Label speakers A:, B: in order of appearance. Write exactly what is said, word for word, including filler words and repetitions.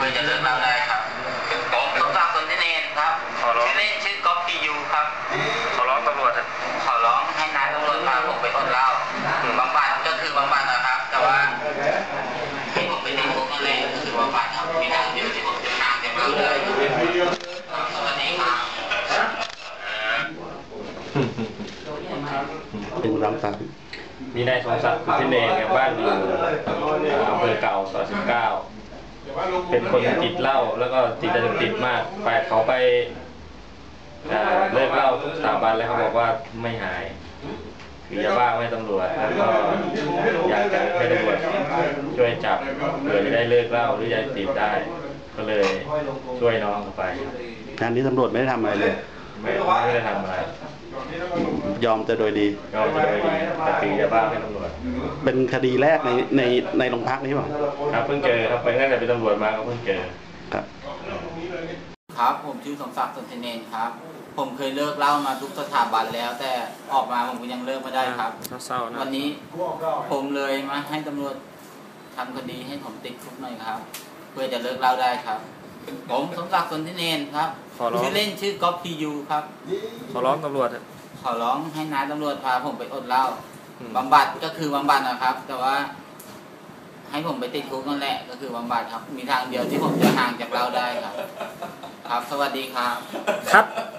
A: พื่อจะเลิกเล่าได้ครับผมสมศักดิ์สนธิเนรครับชื่อเล่นชื่อก๊อฟพียูครับ
B: ขอร้องตำรวจ
A: ขอร้องให้นายตำรวจพาผมไปอดเหล้าบำบัดก็คือบำบัดนะครับแต่ว่าให้ผมไปติดคุกนั่นแหละก็คือบำบัดครับมีทางเดียวที่ผมจะทางจะเล่าได้สวัสดีครับ
C: เป็นร้านตัด
B: มีนายสมศักดิ์สนธิเนรเนี่ยบ้านอยู่อำเภอเก่าซอยสิบเก้าเป็นคนติดเหล้าแล้วก็ติดยาเสพติดมากไปเขาไปเลิกเหล้าทุกสถาบันแล้วเขาบอกว่าไม่หายคือยาบ้าไม่ตำรวจแล้วก็อยากจะให้ตำรวจช่วยจับเพื่อจะได้เลิกเหล้าหรือยาเสพติดได้ก็เลยช่วยน้องเขาไป
C: งานนี้ตำรวจไม่ได้ทำอะไรเลย
B: ไม่ไม่ได้ทำอะไร
C: ยอมจะโดยดี
B: ยอมจะโดยดีแต่ตียาบ้าให้ตำรวจ
C: เป็นคดีแรกในในในโรงพักนี้เปล่า
B: ครับเพิ่งเจอครับไปตั้งแต่เป็นตำรวจมาก็เพิ่งเจอ
C: ครับ
A: ครับผมชื่อสมศักดิ์สนธิเนรครับผมเคยเลิกเหล้ามาทุกสถาบันแล้วแต่ออกมาผมก็ยังเลิกไม่ได้ครับวันนี้ผมเลยมาให้ตำรวจทำคดีให้ผมติดคุกหน่อยครับเพื่อจะเลิกเหล้าได้ครับผมสมศักดิ์สนธิเนรครับชื่อเล่นชื่อก๊อฟพียูครับ
B: ขอร้องตำรวจ
A: ขอร้องให้นายตำรวจพาผมไปอดเหล้าบำบัดก็คือบำบัดนะครับ แต่ว่าให้ผมไปติดคุกนั่นแหละก็คือบำบัดครับมีทางเดียวที่ผมจะห่างจากเหล้าได้ครับครับสวัสดีครับ
B: ครับ